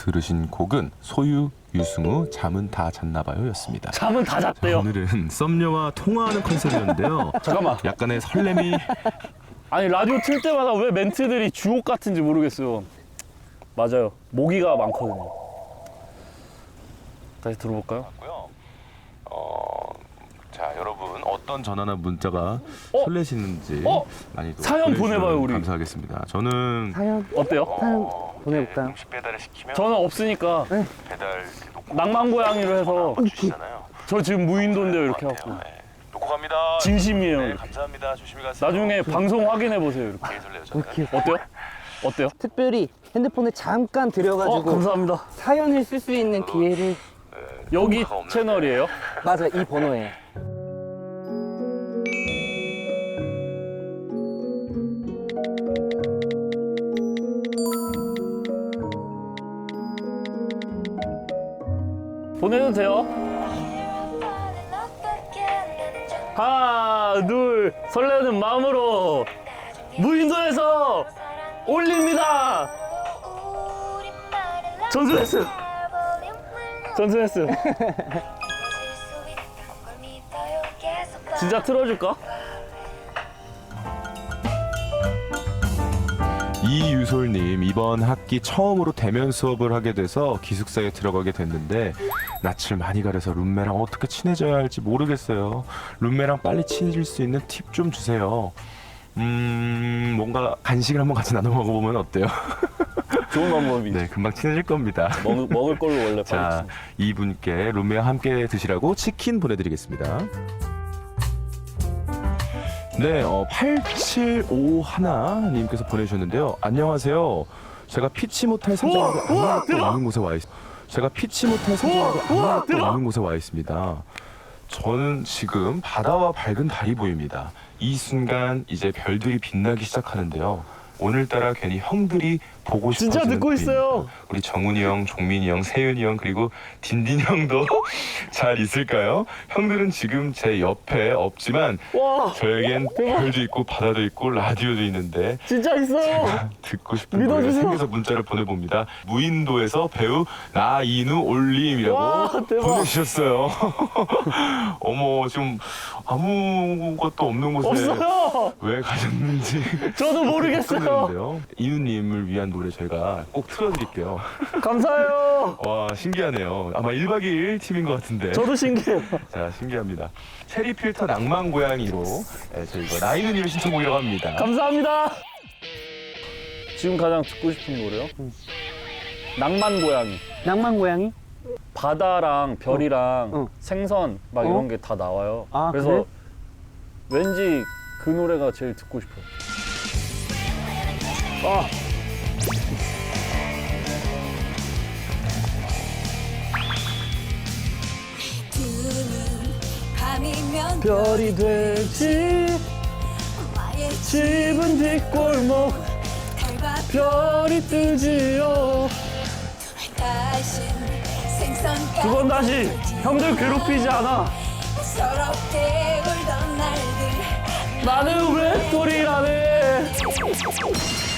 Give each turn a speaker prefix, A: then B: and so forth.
A: 들으신 곡은 소유, 유승우, 잠은 다 잤나봐요 였습니다.
B: 잠은 다
A: 자,
B: 잤대요.
A: 오늘은 썸녀와 통화하는 컨셉이었는데요.
B: 잠깐만.
A: 약간의 설렘이
B: 아니 라디오 틀 때마다 왜 멘트들이 주옥 같은지 모르겠어요. 맞아요. 모기가 많거든요. 다시 들어볼까요?
A: 자, 여러분 어떤 전화나 문자가 설레시는지 많이
B: 사연 보내봐요, 우리.
A: 감사하겠습니다. 저는
C: 사연
B: 어때요?
C: 보내볼까요?
D: 음식 배달을 시키면
B: 저는 없으니까
D: 배달
B: 낭만 고양이로 해서
D: 주시잖아요.
B: 저 지금 무인도인데요 이렇게 하고
D: 네. 놓고 갑니다.
B: 진심이에요.
D: 네, 감사합니다. 조심히 가세요.
B: 나중에 방송 확인해 보세요 이렇게.
D: 되게 설레요, 저는.
B: 어때요? 어때요?
C: 특별히 핸드폰을 잠깐 들여가지고
B: 감사합니다.
C: 사연을 쓸 수 있는 기회를
B: 여기
D: 녹화가 없는데.
B: 채널이에요?
C: 맞아 이 번호에
B: 보내도 돼요? 하나 둘 설레는 마음으로 무인도에서 올립니다. 전수했어요. 전수했어요. 진짜 틀어줄까?
A: 이유솔님, 이번 학기 처음으로 대면 수업을 하게 돼서 기숙사에 들어가게 됐는데 낯을 많이 가려서 룸메랑 어떻게 친해져야 할지 모르겠어요. 룸메랑 빨리 친해질 수 있는 팁 좀 주세요. 뭔가 간식을 한번 같이 나눠 먹어보면 어때요?
B: 좋은 방법이지.
A: 네, 금방 친해질 겁니다.
B: 먹을 걸로 원래
A: 자, 이분께 룸메와 함께 드시라고 치킨 보내드리겠습니다. 네, 8751님께서 보내주셨는데요. 안녕하세요. 제가 피치 못할 사정으로 아무것도 없는 곳에 와 있습니다. 제가 피치 못할 사정으로 아무것도 없는 곳에 와 있습니다. 저는 지금 바다와 밝은 달이 보입니다. 이 순간 이제 별들이 빛나기 시작하는데요. 오늘따라 괜히 형들이 보고
B: 진짜
A: 싶어지는
B: 듣고 있어요.
A: 분입니다. 우리 정훈이 형, 종민이 형, 세윤이 형 그리고 딘딘 형도 잘 있을까요? 형들은 지금 제 옆에 없지만
B: 와
A: 저에겐 별도 있고 바다도 있고 라디오도 있는데
B: 진짜 있어요.
A: 듣고 싶은 노래가
B: 믿어주세요.
A: 생겨서 문자를 보내봅니다. 무인도에서 배우 나인우 올림이라고
B: 와, 대박.
A: 보내주셨어요. 어머, 지금 아무것도 없는 곳에
B: 없어요.
A: 왜 가셨는지
B: 저도 모르겠어요.
A: 궁금한데요. 이누님을 위한 노래 저희가 꼭 틀어드릴게요.
B: 감사해요.
A: 와, 신기하네요. 아마 1박 2일 팀인 것 같은데.
B: 저도 신기해요.
A: 자, 신기합니다. 체리 필터 낭만 고양이로 저희가 나이누님의 신청곡이라고 합니다.
B: 감사합니다. 지금 가장 듣고 싶은 노래요? 낭만 고양이.
C: 낭만 고양이?
B: 바다랑 별이랑
C: 어.
B: 생선 막
C: 어?
B: 이런 게 다 나와요.
C: 아,
B: 그래서 왠지 그 노래가 제일 듣고 싶어요. 아.
E: 밤이면
B: 별이 되지
E: 나의
B: 집은 뒷골목
E: 달과
B: 별이 뜨지요.
E: 다신 생선가
B: 두 번 다시 형들 괴롭히지 않아.
E: 서럽게 울던 날들
B: 나는 왜 소리라네.